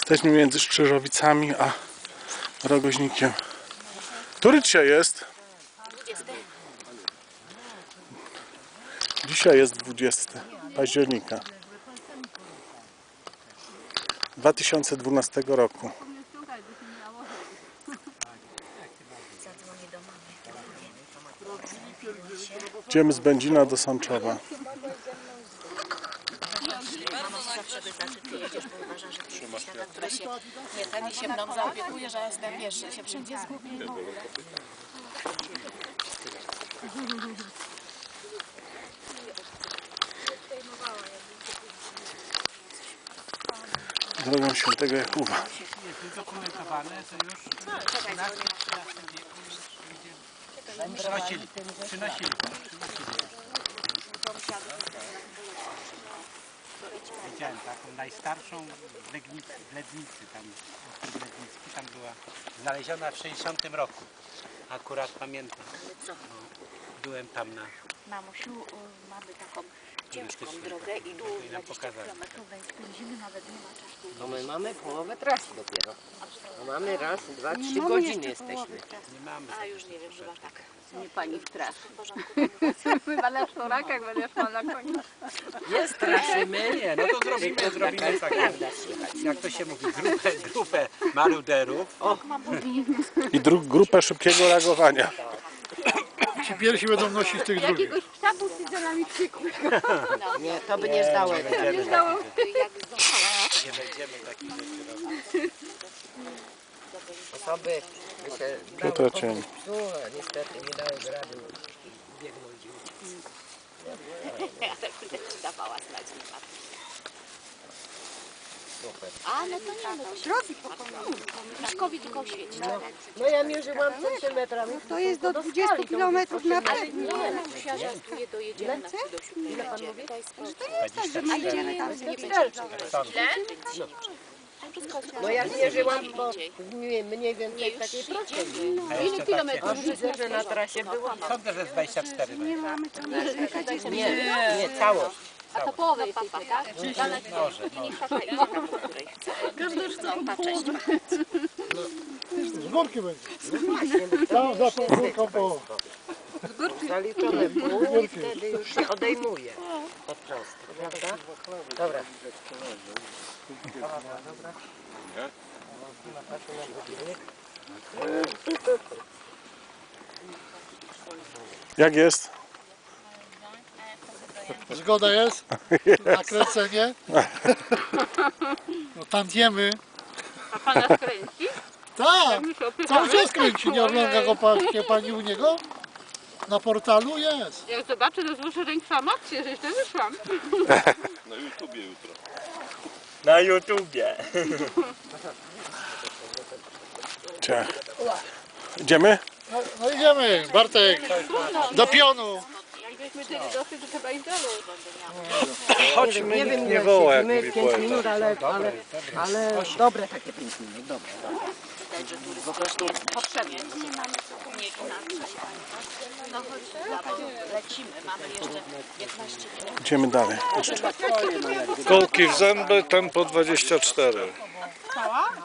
Jesteśmy między Strzyżowicami a Rogoźnikiem. Który dzisiaj jest? 20. Dzisiaj jest 20 października 2012 roku. Zadzwonię do mamy. Idziemy z Będzina do Sączowa. Mama się zawsze pyta, czy ty jedziesz, bo uważa, że ty jesteś taka, która się nie ten i się mną zaopiekuje, że jestem, wiesz, że się wszędzie zgubię i w ogóle. Drogą Świętego Jakuba. Udokumentowane to już Czekaj, dzwonię. przynosili. Widziałem taką najstarszą w Lednicy, tam ostrów Lednicki, tam była znaleziona w 60 roku. Akurat pamiętam. Co? Byłem tam na... Mamusiu, mamy taką ciężką drogę i dół 20 km, więc zimy nawet nie ma czasu. No my mamy połowę trasy dopiero. No mamy raz, 2-3 godziny jesteśmy. Nie mamy. A już nie wiem, chyba tak. Nie pani straszy. W porządku. Chyba na sznurakach będziesz ma na koniu. Nie straszymy. Nie, no to zrobimy tak, jak to się mówi, grupę maruderów. I grupę szybkiego reagowania. Ci pierwsi będą nosić tych drugich. Jakiegoś psa busy za nami krzykły. Nie, to by nie zdało. Jak zdążyła. Nie będziemy takich rzeczy robić. Osoby by się Tu to cień. psu, a niestety nie dały rady biegnąć. Ja tak będę ci dawała znać. Super. A, no to nie, no to się robi Miszkowi tylko oświecić. No ja mierzyłam centymetrami. To jest do 20 km na Ale nie, mamusia żartuje, dojedziemy na chwilę do 7 będziemy. To jest To nie jest tak, że my idziemy tam z nie nie będzie. będzie. No jak mierzyłam, bo mniej więcej w takiej prostej. Ile kilometrów? Widzę, że na trasie było. Sądzę, że z 24 Nie mamy co narzekać. Nie, całość. A to połowę jesteśmy, tak? może. Tata idzie tam, po której chce. Każdy już co? Pa, cześć. Z górki będzie. Tam za tą górką po... Zaliczone pół i wtedy już się odejmuje od prostej, prawda? Dobra. Jak jest? Zgoda jest? Na kręcenie? No tantiemy. A pana skręci? Tak! Cały czas kręci. Nie ogląda go pani u niego? Na portalu jest. Jak zobaczę, to złożę rękę akcję, że jeszcze wyszłam. Na YouTubie. Ciach. Idziemy? No idziemy, Bartek. Do pionu. Jakbyśmy tyle doszli, to chyba i dalej. Chodźmy, nie wiem, nie woła, jak mówi 5 minut, ale dobre takie 5 minut, dobre. Po prostu jest potrzebny. Nie inaczej. No chodź, lecimy. Mamy jeszcze 15 minut. Idziemy dalej. Kołki w zęby, tempo 24.